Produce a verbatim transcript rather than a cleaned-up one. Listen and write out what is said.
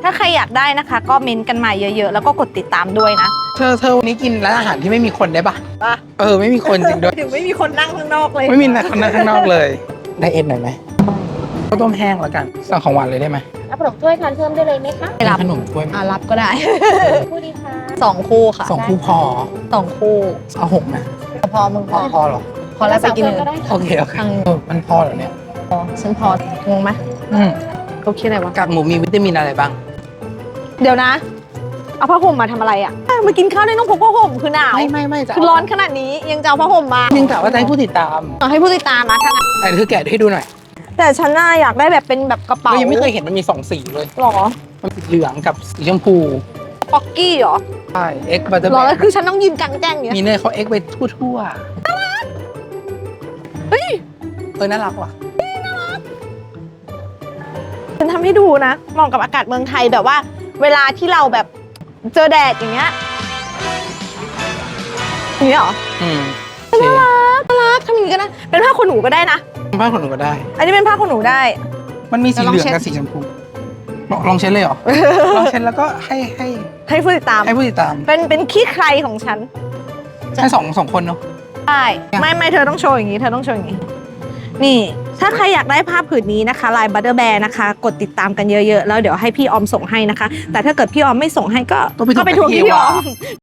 าใครอยากได้นะคะ ก็เม้นต์กันมาเยอะๆแล้วก็กดติดตามด้วยนะเธอเธอวันนี้กินร้านอาหารที่ไม่มีคนได้ปะเออไม่มีคนจริงด้วยถึงไม่มีคนนั่งข้างนอกเลยไม่มีคนนั่งข้างนอกเลยได้เอ็นหน่อยไหมข้าวต้มแห้งแล้วกันสั่งของหวานเลยได้ไหมรับขนมถ้วยทานเพิ่มได้เลยไหมคะรับขนมถ้วยไหมอ่ารับก็ได้คู่ดีค่ะสองคู่ค่ะสองคู่พอสองคู่เอาหกนะพอมึงพพออพอเหรอพอแล้วไปกินก็ได้โอเคโอเคเออมันพอเหรอเนี่ยพอฉันพองงไหมอืมเขาคิดอะไรวะกากหมูมีวิตามินอะไรบ้างเดี๋ยวนะ เอาผ้าห่มมาทำอะไรอ่ะมากินข้าวได้ต้องพกผ้าห่มคือหนาวไม่ไม่ไม่จะคือร้อนขนาดนี้ยังจะเอาผ้าห่มมายังกะว่าจะให้ผู้ติดตามเอาให้ผู้ติดตามมาถ้างั้นแต่เธอแกะให้ดูหน่อยแต่ฉันน่าอยากได้แบบเป็นแบบกระเป๋าเรายังไม่เคยเห็นมันมีสองสีเลยหรอมันสีเหลืองกับสีชมพูป๊อกกี้เหรอใช่เอ็กบัตเตอร์หรแบอแล้วคือฉันต้องยืนกลางแจ้งอย่างเงี้ยมีเนยเขาเอ็กไปทั่วๆเฮ้ยเออน่ารักว่ะฉันทำให้ดูนะเหมาะกับอากาศเมืองไทยแบบว่า เวลาที่เราแบบเจอแดดอย่างเงี้ยอย่างเงี้ยเหรออืมน่ารักน่ารักทำอย่างงี้ก็ได้เป็นผ้าขนหนูก็ได้นะผ้าขนหนูก็ได้อันนี้เป็นผ้าขนหนูได้มันมีสีเหลืองลองเช็ดกับสีชมพูลองลองเช็ดเลยเหรอ ลองเช็ดแล้วก็ให้ให้ให้ผู้ติดตามให้ผู้ติดตามเป็นเป็นขี้ใครของฉันให้สองสองคนเนาะใช่ไม่ไม่เธอต้องโชว์อย่างนี้เธอต้องโชว์อย่างนี้นี่ ถ้าใครอยากได้ผ้าผืนนี้นะคะลายบัตเตอร์แบร์นะคะ กดติดตามกันเยอะๆแล้วเดี๋ยวให้พี่ออมส่งให้นะคะ แต่ถ้าเกิดพี่ออมไม่ส่งให้ก็ต้องไปก็ไปทวงที่พี่ออม